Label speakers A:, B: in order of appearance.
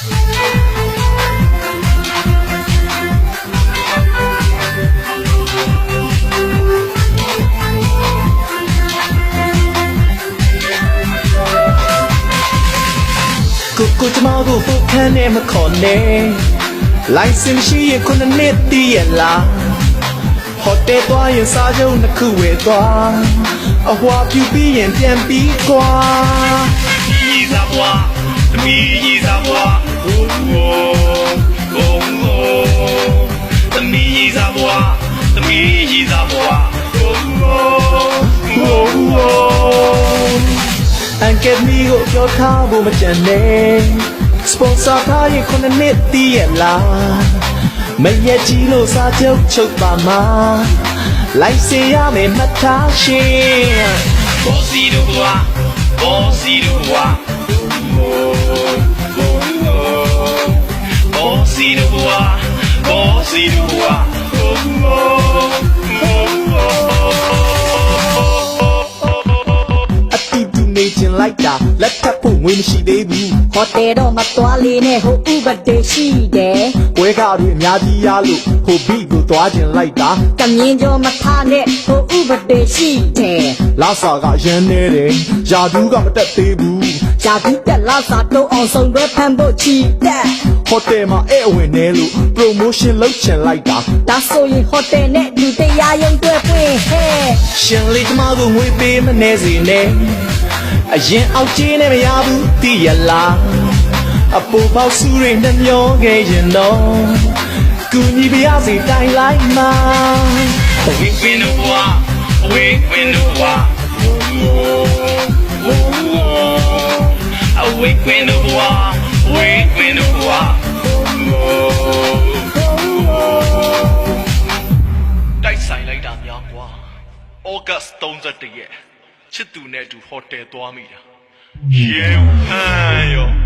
A: ကိုကျမကိုပုတ်ခမ်းနဲ့မခေါ်နဲ့လိုင်စင်ရှိရင်ခုနှစ်နှစ်တည်ရလားဟိုတယ်သွားရင်စားကြုံနှစ်ခုဝယ်သွားအဟွာပြူပြီးရင်ပြန်ပြီးကွာ
B: ရီစားဘွားသမီးရီစားဘွားဟိုးဟိုးဟိုးသမီးရီစားဘွားသမီးရီစားဘွားဟိုးဟိုးဟိုး
A: အန်ကက်မီကိုပြောထားဖို့မကြံနဲ့စပွန်ဆာထားရင်ခုနှစ်နှစ်တည်ရလားမရက်ကြီးလို့စားကြုံချုပ်ပါမှာလိုက်စင်ရမယ်မှတ်ထားရှင်
B: ဘောစီတို့ဘွားဘောစီတို့ဘွားဟိုးဟိုးဘောစီတို့ဘွားဘောစီတို့ဘွားဟိုးဟိုး
A: နေကျင်လိုက်တာလက်ထပ်ဖို့ငွေမရှိသေးဘူး
C: ဟိုတယ်တော့မသွားလေးနဲ့ဟိုဥပဒေရှိတယ်
A: ပွဲကားတွေအများကြီးရလို့ဟိုဘီကိုသွားကျင်လိုက်တာ
C: ကမြင်ကြောမထားနဲ့ဟိုဥပဒေရှိတယ်
A: လာစာကရမ်းနေတယ်ယာဒူးကမတက်သေးဘူး
C: ယာဒူးတက်လာစာတော့အောင်ဆုံးပဲဖမ်းဖို့ချီတက်
A: ဟိုတယ်မှာအဲ့အဝင်နေလို့ promotion လုပ်ချင်လိုက်တာ
C: ဒါဆိုရင်ဟိုတယ်နဲ့လူတရားရုံးတွေ့ပွင့်ဟဲ့
A: ရှင်လေးကျမကိုငွေပေးမနေစေနဲ့အရင်အောက်ကြီးနဲ့မရဘူးတည်ရလားအပူပေါက်စုတွေနှမျောခဲ့ရင်တော့ကူညီပြရစီတိုင်လိုက်မှာ
B: Awake when the war Awake when the war Awake when the war Awake when the war တိုက်ဆိုင်လိုက်တာများကွာ August 31ရက်ချစ်သူနဲ့အတူဟိုတယ်သွားမိတာရေဟန်ရော